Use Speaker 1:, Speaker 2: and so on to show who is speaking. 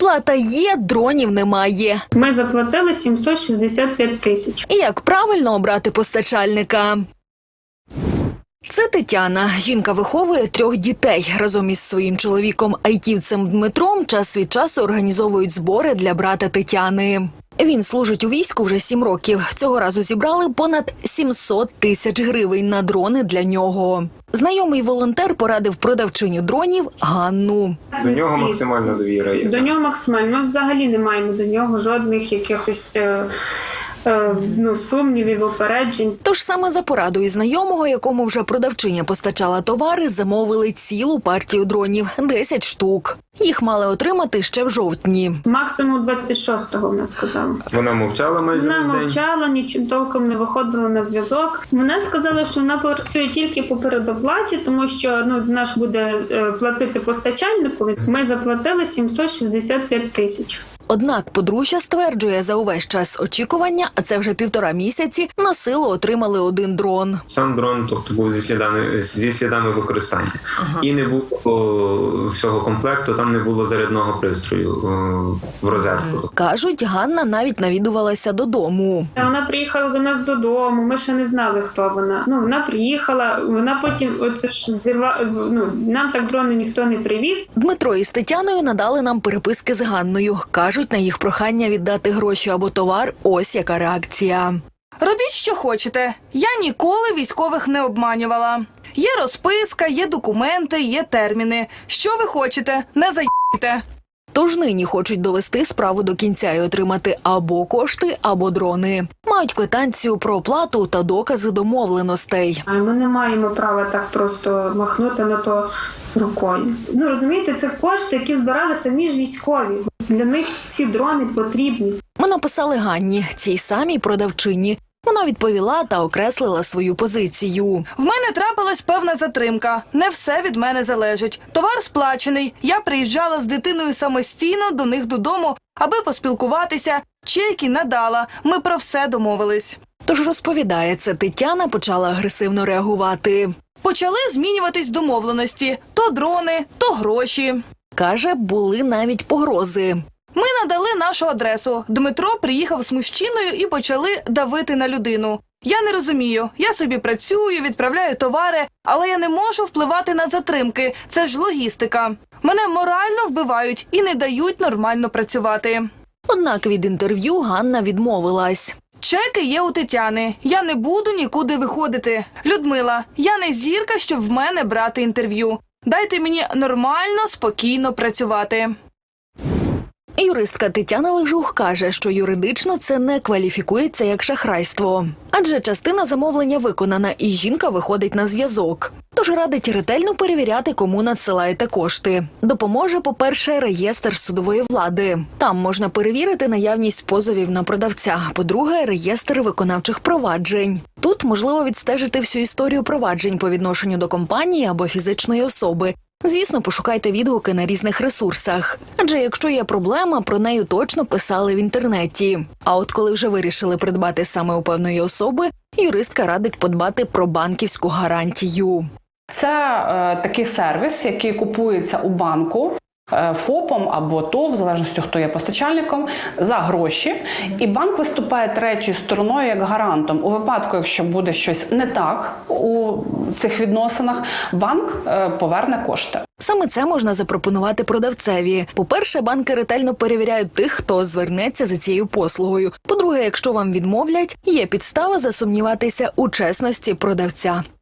Speaker 1: Плата є, дронів немає.
Speaker 2: Ми заплатили 765 тисяч.
Speaker 1: І як правильно обрати постачальника? Це Тетяна. Жінка виховує 3 дітей. Разом із своїм чоловіком-айтівцем Дмитром час від часу організовують збори для брата Тетяни. Він служить у війську вже 7 років. Цього разу зібрали понад 700 тисяч гривень на дрони для нього. Знайомий волонтер порадив продавчиню дронів Ганну.
Speaker 3: До нього максимальна довіра є.
Speaker 2: До нього максимально. Ми взагалі не маємо до нього жодних якихось сумнівів, опереджень.
Speaker 1: Тож саме за порадою знайомого, якому вже продавчиня постачала товари, замовили цілу партію дронів – 10 штук. Їх мали отримати ще в жовтні.
Speaker 2: Максимум 26-го, вона сказала.
Speaker 3: Вона мовчала майже
Speaker 2: Вона
Speaker 3: весь день.
Speaker 2: мовчала, нічим толком не виходила на зв'язок. Вона сказала, що вона працює тільки по передоплаті, тому що наш буде платити постачальнику. Ми заплатили 765 тисяч.
Speaker 1: Однак подружжя стверджує, за увесь час очікування, а це вже 1,5 місяці, на силу отримали 1 дрон.
Speaker 3: Сам дрон, тобто, був зі слідами використання. І не було всього комплекту, там не було зарядного пристрою в розетку.
Speaker 1: Кажуть, Ганна навіть навідувалася додому.
Speaker 2: Вона приїхала до нас додому, ми ще не знали, хто вона. Вона приїхала, вона потім нам так дрони ніхто не привіз.
Speaker 1: Дмитро із Тетяною надали нам переписки з Ганною. Кажуть, на їх прохання віддати гроші або товар, ось яка реакція.
Speaker 4: Робіть, що хочете. Я ніколи військових не обманювала. Є розписка, є документи, є терміни. Що ви хочете? Не заїбайте.
Speaker 1: Тож нині хочуть довести справу до кінця і отримати або кошти, або дрони. Мають квитанцію про оплату та докази домовленостей.
Speaker 2: Ми не маємо права так просто махнути на то рукою. Розумієте, це кошти, які збиралися між військові. Для них ці дрони потрібні.
Speaker 1: Ми написали Ганні, цій самій продавчині. Вона відповіла та окреслила свою позицію.
Speaker 4: В мене трапилась певна затримка. Не все від мене залежить. Товар сплачений. Я приїжджала з дитиною самостійно до них додому, аби поспілкуватися. Чеки надала. Ми про все домовились.
Speaker 1: Тож розповідає, це Тетяна почала агресивно реагувати.
Speaker 4: Почали змінюватись домовленості. То дрони, то гроші.
Speaker 1: Каже, були навіть погрози.
Speaker 4: Ми надали нашу адресу. Дмитро приїхав з мужчиною і почали давити на людину. Я не розумію. Я собі працюю, відправляю товари, але я не можу впливати на затримки. Це ж логістика. Мене морально вбивають і не дають нормально працювати.
Speaker 1: Однак від інтерв'ю Ганна відмовилась.
Speaker 4: Чеки є у Тетяни. Я не буду нікуди виходити. Людмила, я не зірка, щоб в мене брати інтерв'ю. Дайте мені нормально, спокійно працювати.
Speaker 1: Юристка Тетяна Лежух каже, що юридично це не кваліфікується як шахрайство. Адже частина замовлення виконана і жінка виходить на зв'язок. Тож радить ретельно перевіряти, кому надсилаєте кошти. Допоможе, по-перше, реєстр судової влади. Там можна перевірити наявність позовів на продавця. По-друге, реєстр виконавчих проваджень. Тут можливо відстежити всю історію проваджень по відношенню до компанії або фізичної особи. Звісно, пошукайте відгуки на різних ресурсах. Адже якщо є проблема, про неї точно писали в інтернеті. А от коли вже вирішили придбати саме у певної особи, юристка радить подбати про банківську гарантію.
Speaker 5: Це такий сервіс, який купується у банку ФОПом або ТОВ, в залежності, хто є постачальником, за гроші. І банк виступає третьою стороною як гарантом. У випадку, якщо буде щось не так у цих відносинах, банк поверне кошти.
Speaker 1: Саме це можна запропонувати продавцеві. По-перше, банки ретельно перевіряють тих, хто звернеться за цією послугою. По-друге, якщо вам відмовлять, є підстава засумніватися у чесності продавця.